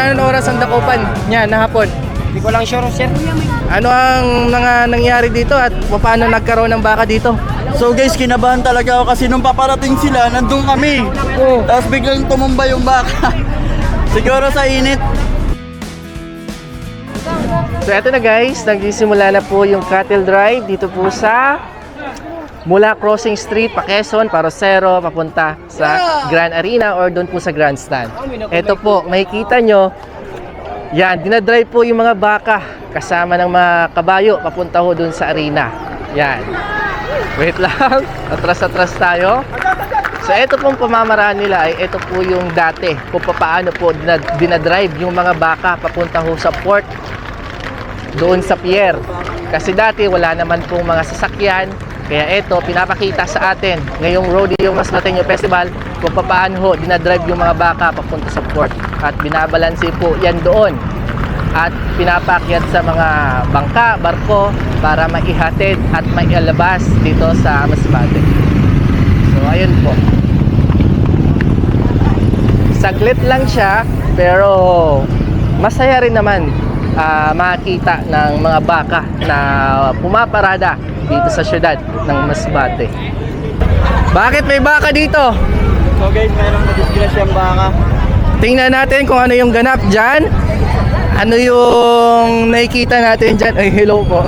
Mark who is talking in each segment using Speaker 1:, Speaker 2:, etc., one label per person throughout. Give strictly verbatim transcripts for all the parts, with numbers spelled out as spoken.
Speaker 1: na anong oras ang dakupan niya na hapon?
Speaker 2: Hindi ko lang sure, sir.
Speaker 1: Ano ang mga nangyari dito at paano nagkaroon ng baka dito?
Speaker 3: So guys, kinabahan talaga ako kasi nung paparating sila, nandun kami.
Speaker 1: Oh.
Speaker 3: Tapos biglang tumumba yung baka. Siguro sa init.
Speaker 1: So eto na guys, nagsisimula na po yung cattle drive dito po sa mula Crossing Street, Paquezon, Parosero, papunta sa Grand Arena or doon po sa Grandstand. Eto po, makikita nyo, yan, dinadrive po yung mga baka kasama ng mga kabayo papunta ho doon sa arena. Yan. Wait lang, atras-atras tayo. So eto pong pamamaraan nila ay eto po yung dati kung paano po dinadrive yung mga baka papunta ho sa port doon sa pier. Kasi dati wala naman pong mga sasakyan. Kaya ito, pinapakita sa atin ngayong Rodeo Masbate Festival kung paano ho dinadrive yung mga baka papunta sa port. At binabalanse po yan doon. At pinapakyat sa mga bangka, barko para maihatid at maialabas dito sa Masbate. So ayun po. Saglit lang siya pero masaya rin naman uh, makita ng mga baka na pumaparada dito sa syudad ng Masbate. Bakit may baka dito?
Speaker 3: So guys, mayroong madisgrasyang baka.
Speaker 1: Tingnan natin kung ano yung ganap dyan. Ano yung nakikita natin dyan. Ay, hello po.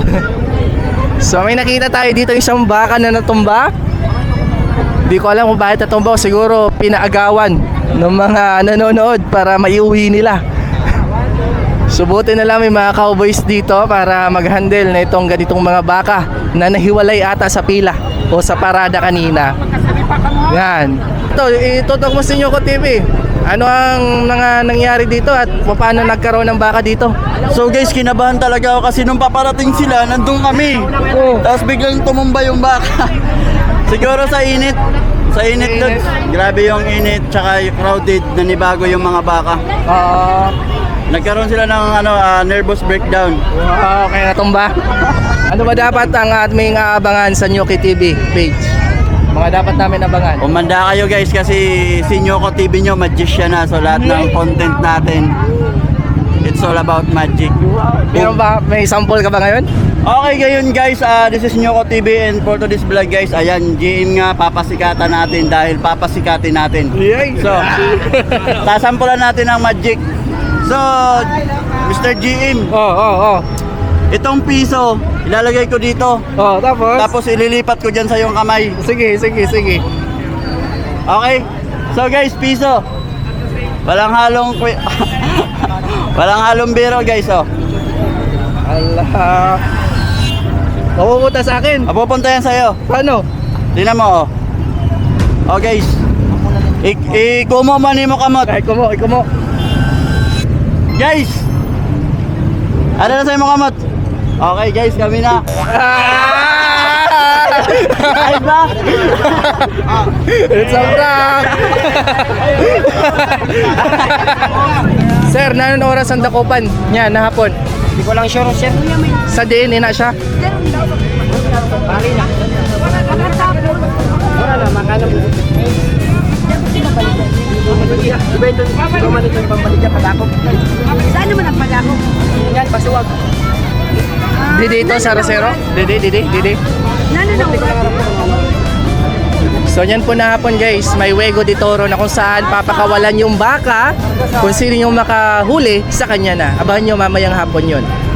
Speaker 1: So may nakita tayo dito isang baka na natumba. Di ko alam kung bakit natumba. Siguro pinaagawan ng mga nanonood para maiuwi nila. Subutin na lang may mga cowboys dito para mag-handle na itong ganitong mga baka na nahiwalay ata sa pila o sa parada kanina. Yan. Ito, itutok mo sa inyo ko T V. Ano ang mga nangyari dito at paano nagkaroon ng baka dito?
Speaker 3: So guys, kinabahan talaga ako kasi nung paparating sila, nandun kami.
Speaker 1: Oh.
Speaker 3: Tapos biglang tumumba yung baka. Siguro sa init. Sa init doon. Grabe yung init, tsaka yung crowded, nanibago yung mga baka.
Speaker 1: Uh,
Speaker 3: Nagkaroon sila ng ano, uh, nervous breakdown.
Speaker 1: uh, okay, natumba. Ano ba dapat ang aming aabangan sa Nyuki T V page? Mga dapat namin abangan.
Speaker 3: Umanda kayo guys kasi si Nyoko T V nyo magician na. So lahat ng content natin, it's all about magic.
Speaker 1: Meron ba? May sample ka ba ngayon?
Speaker 3: Okay ngayon guys, uh, this is Nyoko T V and for today's vlog guys, ayan, G M nga papasikatan natin dahil papasikatin natin. So, sasampulan natin ang magic. So, Mister G M,
Speaker 1: Oh, oh, oh.
Speaker 3: itong piso, ilalagay ko dito.
Speaker 1: Oh, tapos?
Speaker 3: Tapos ililipat ko dyan sa iyong kamay.
Speaker 1: Sige, sige, sige.
Speaker 3: Okay? So guys, piso. Walang halong kwi- walang halong biro guys, oh.
Speaker 1: Allah. Mapupunta sa akin.
Speaker 3: Mapupunta yan sa'yo.
Speaker 1: Paano?
Speaker 3: Tingnan mo, oh. Oh guys. I- ikumo man mo kamot.
Speaker 1: Ay, kumo, ay, kumo.
Speaker 3: Guys. Ano na sa'yo mo kamot? Okay guys, kami na. Ay ba?
Speaker 1: It's a prank! Sir, na anong oras ang dakupan niya na hapon?
Speaker 2: Hindi ko lang sure, sir.
Speaker 1: Sa D N A na siya?
Speaker 2: Bali na. Wala na, makana mo. Iba ito, gumawa nito yung pambalik niya, padakop.
Speaker 4: Saan naman ang pagako?
Speaker 2: Yan, pasuwag.
Speaker 1: Didi ito, sa Rosero? Didi, Didi, Didi. So yan po na hapon guys, may Wego de Toro na kung saan papakawalan yung baka kung sino yung makahuli sa kanya na. Abangan nyo mamayang hapon yun.